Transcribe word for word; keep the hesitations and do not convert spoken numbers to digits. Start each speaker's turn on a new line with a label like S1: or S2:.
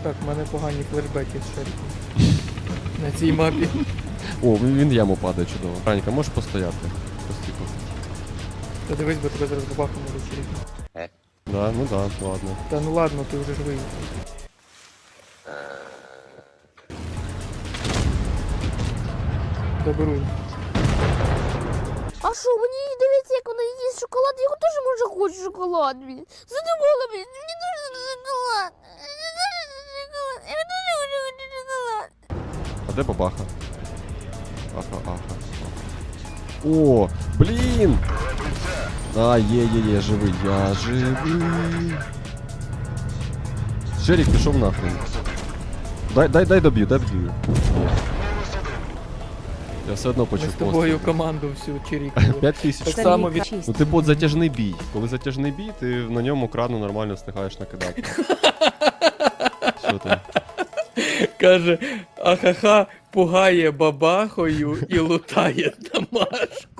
S1: Так, в мене погані флешбеки з Шеріком. На цій мапі.
S2: О, він він в яму падає чудово. Ранька, можеш постояти? Постійно.
S1: Та дивись, бо тебе зараз бабахом може чирікнути.
S2: Да, ну да, ладно.
S1: Та ну ладно, ти вже живий. Доберу.
S3: А що, мені дивиться, як вона їсть шоколад, я теж може хочу шоколад, блін. Задумала, блін, мені дуже шоколад. Мені дуже шоколад. Я дуже хочу шоколад.
S2: А де бабаха? Аха, аха. О, блін! А, є, є, є, живий, я живий. Шерік пішов нахрен. Дай, дай, дай доб'ю, дай доб'ю. Ні. Я все одно
S1: Ми
S2: почув
S1: з тобою
S2: постріл.
S1: команду всю чирікнули.
S2: П'ять тисяч.
S1: Так само від...
S2: Ну ти бот затяжний бій. Коли затяжний бій, ти на ньому крану нормально встигаєш накидати. Що там?
S1: Каже, ахаха, пугає бабахою і лутає Тамашку.